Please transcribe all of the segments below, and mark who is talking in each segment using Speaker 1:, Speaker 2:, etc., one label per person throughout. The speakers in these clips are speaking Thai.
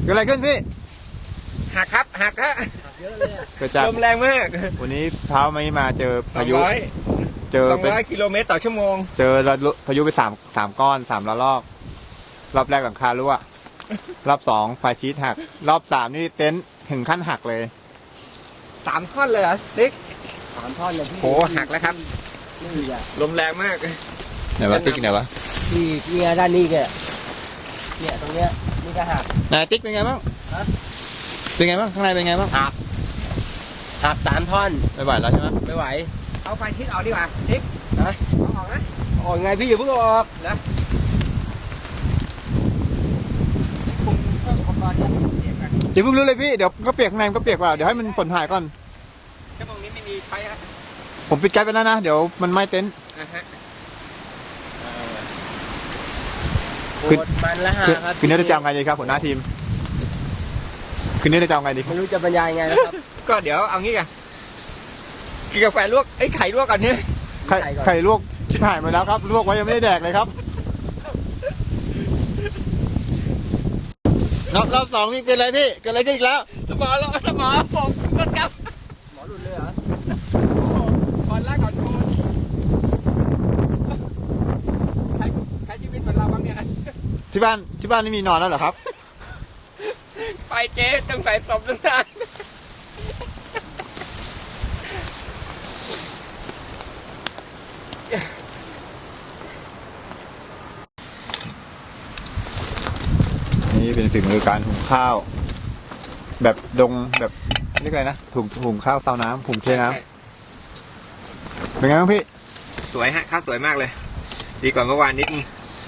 Speaker 1: เกิดอะไรขึ้นพี่
Speaker 2: หักครับหักฮะ
Speaker 3: เยอะเลย
Speaker 1: เกิดจาก
Speaker 2: ลมแรงมาก
Speaker 1: วันนี้เช้าไม่มาเจอพายุเจอเป็น
Speaker 2: 200 กิโลเมตรต่อชั่วโมง
Speaker 1: เจอพายุไปสามก้อน3 ระลอกรอบแรกหลังคารั่วรอบ2ไฟชีตหักรอบ3นี่เต็นท์ถึงขั้นหักเลย
Speaker 2: 3 ท่อนเลยเหรอติ๊ก
Speaker 3: 3 ท่อนเลยพี่
Speaker 2: โหหักแล้วครับ
Speaker 3: นี่อ่ะ
Speaker 2: ลมแรงมาก
Speaker 1: ไหนวะติ๊กไหนวะ
Speaker 3: ที่เนี่ยด้านนี้แกเนี่ยตรงเนี้ยนี่ก็หัก
Speaker 1: ไหนติ๊กเป็นไงบ้างเป็นไงบ้างข้างในเป็นไงบ้าง
Speaker 3: หัก3 ท่อน
Speaker 1: ไม่ไหวแล้วใช่ไหม
Speaker 3: ไม่ไหว
Speaker 2: เอาไฟชิดออกดีกว่าติ๊ก
Speaker 3: นะ
Speaker 2: เอาออกนะ
Speaker 3: ออกไงพี่อย่าเพิ่งออก
Speaker 2: นะคุมเครื่องอุปกรณ์เปียกกัน
Speaker 1: อย่าเพิ่งรู้เลยพี่เดี๋ยวก็เปียกข้างในก็เปียกกว่าเดี๋ยวให้มันฝนหายก่อน
Speaker 2: ชั่วโมงนี้ไม่มีไฟครับ
Speaker 1: ผมปิดแก๊สไปแล้วนะเดี๋ยวมันไหม้เต็นท์
Speaker 3: คือมันละครับ
Speaker 1: คืนนี้จะจำไงดีครับหัวหน้าทีมคืนนี้จะจำไงดี
Speaker 3: ไม่รู้จะบรรยายไงนะครับ
Speaker 2: ก็เดี๋ยวเอางี้กันกินกาแฟลวกไข่ลวกก่อนเนี่ย
Speaker 1: ไข่ลวกชิบหายมาแล้วครับลวกไว้ยังไม่ได้แดกเลยครับรอบ2นี่เป็นอะไรพี่เกิดอะไรขึ้นอีกแล้ว
Speaker 2: สมอผมต้นกับ
Speaker 3: หมอหลุดเลยเหรอ
Speaker 2: ก่อนแรกก่อนโทนใครชีวิตเหมือนเราบ้างเนี่ย
Speaker 1: ที่บ้านนี่มีนอนแล้วเหรอครับ
Speaker 2: ไปเจ๊ต้องใส่ศพตั้งนาน
Speaker 1: นี่เป็นฝีมือการหุงข้าวแบบดงแบบเรียกอะไรนะหุงข้าวซาวน้ำหุงเทน้ำเป็นไงบ้างพี่
Speaker 2: สวยฮะข้าวสวยมากเลยดีกว่าเมื่อวานนิดนึง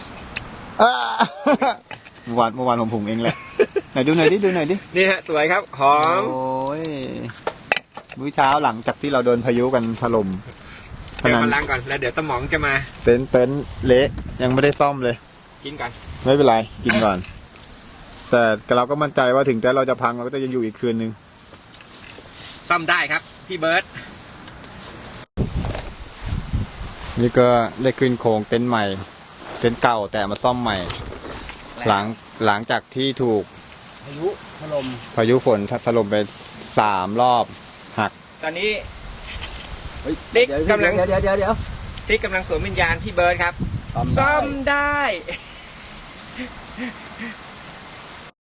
Speaker 1: เมื่อวานผมหุงเองแหละไหนดูหน่อยดิ
Speaker 2: นี่ฮะสวยครับหอม
Speaker 1: โอ้ยมื้อเช้าหลังจากที่เราโดนพายุกันถล่ม
Speaker 2: เดี๋ยวมาล้างก่อนแล้วเดี๋ยวตะหมองจะมา
Speaker 1: เต็นท์เละยังไม่ได้ซ่อมเลย
Speaker 2: กินก่อน
Speaker 1: ไม่เป็นไรกินก่อนแต่เราก็มั่นใจว่าถึงแต่เราจะพังเราก็จะยังอยู่อีกคืนนึง
Speaker 2: ซ่อมได้ครับพี่เบิร์ต
Speaker 1: นี่ก็ได้ขึ้นโครงเต็นท์ใหม่เต็นท์เก่าแต่มาซ่อมใหม่หลังจากที่ถูก
Speaker 3: พายุถล่ม
Speaker 1: พายุฝนถล่มไป3 รอบหัก
Speaker 2: ตอนนี้ติ๊กกำลัง
Speaker 3: เดี๋ยว
Speaker 2: ติ๊กกำลังสวมวิญญาณพี่เบิร์ตครับซ่อมได้